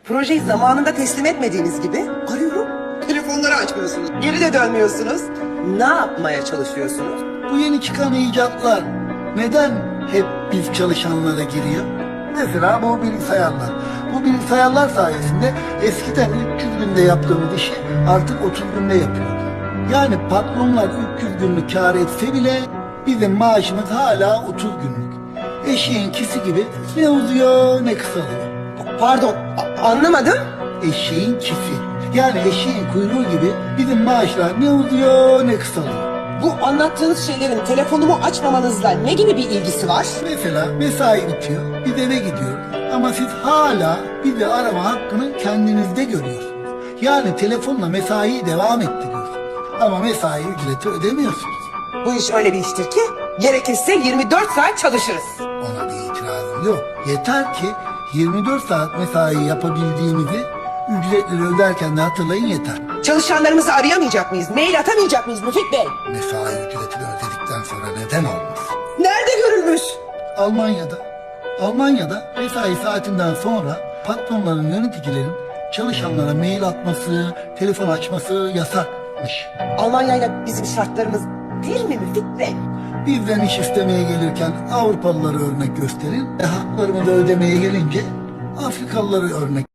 Projeyi zamanında teslim etmediğiniz gibi arıyorum. Telefonları açmıyorsunuz. Geri de dönmüyorsunuz. Ne yapmaya çalışıyorsunuz? Bu yeni çıkan icatlar neden hep biz çalışanlara giriyor? Mesela bu bilgisayarlar. Bu bilgisayarlar sayesinde eskiden 300 günde yaptığımız işi artık 30 günde yapıyoruz. Yani patronlar 300 günlük kar etse bile bizim maaşımız hala 30 günlük. Eşeğin kisi gibi ne uzuyor ne kısalıyor. Pardon, anlamadım. Eşeğin kisi. Yani eşeğin kuyruğu gibi bizim maaşlar ne uzuyor ne kısalıyor. Bu anlattığınız şeylerin telefonumu açmamanızla ne gibi bir ilgisi var? Mesela mesai bitiyor, biz eve gidiyoruz ama siz hala bizi arama hakkını kendinizde görüyorsunuz. Yani telefonla mesaiyi devam ettiriyorsunuz ama mesai ücreti ödemiyorsunuz. Bu iş öyle bir iştir ki gerekirse 24 saat çalışırız. Ona bir itirazım yok. Yeter ki 24 saat mesai yapabildiğimizi ücretleri öderken de hatırlayın yeter. Çalışanlarımızı arayamayacak mıyız? Mail atamayacak mıyız Müfit Bey? Mesai ücretini ödedikten sonra neden olmasın? Nerede görülmüş? Almanya'da mesai saatinden sonra patronların, yöneticilerin çalışanlara mail atması, telefon açması yasakmış. Almanya'yla bizim şartlarımız bir mi Müfit Bey? Bizden iş istemeye gelirken Avrupalıları örnek gösterin. Haklarımı da ödemeye gelince Afrikalıları örnek